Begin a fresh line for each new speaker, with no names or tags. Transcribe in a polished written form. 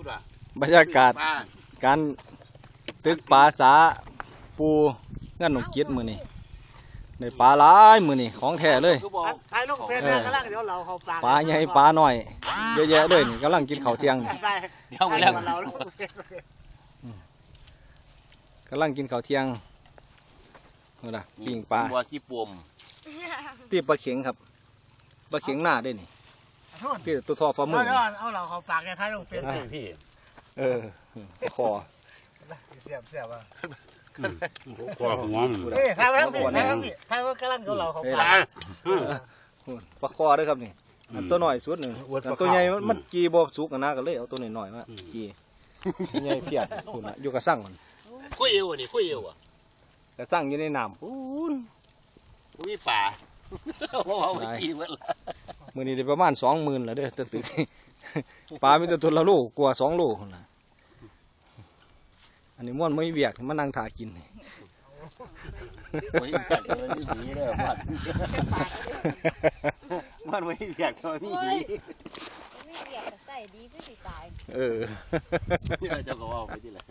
บรรยากาศการตึกปลาสาปูงั้นหนุ่มเกียรติมือนี่ในปลาหลายมือนี่ของแท้เลย
ถ่ายลงเพจกำลังเดี๋ยวเราเขาปลา
ปลาใหญ่ปลาหน่อยเยอะแยะเลยนี่กำลังกินข้าวเที่ยงนี่
เดี๋ยวมาแล้วเรา
กำลังกินข้าวเที่ยงนี่ล่ะปิ้งปลา
บัวที่ปวม
ตีปลาเข็งครับปลาเข็งหน้าได้นี่ที่ตัวทอฟ้ามือ
เอาเราเขาปลาแกถ่ายลงเพจ
พี่
คอ
เสียบเสียบอ่ะ
กว่าหัวมัน
เฮ้ยถ่ายไว้ทั้งพี่ถ่ายทั้งพี่ถ่ายว่ากำลังเราเขาปลา
ปลาคอด้วยครับนี่อันตัวหน่อยสุดหนึ่งอันตัวใหญ่มันกีบสุกนะก็เลยเอาตัวหน่อยๆมากีใหญ่เพียดคุณนะอยู่กับสั่งมัน
คุยเอวนี่คุยเอวอ่ะ
กระสั่งอยู่ในน้ำปูน
มีป่าว่าไม่กินหมดละ
มื้อนี้ได้ประมาณ20,000แล้วเด้อตึกปลามีแต่ตัวละโลกว่า2 โลพุ่นน่ะอันนี้ม่วนไม่เวียกมานั่งถ่ากินนี่
ไม่กัดเลยนี่หนีเลยมันไม่อยากตัวนี่หนี
ไม่เรียกใส่ดีก็สิตาย
เออ
เจ้าก็ว่าไปที่ไหน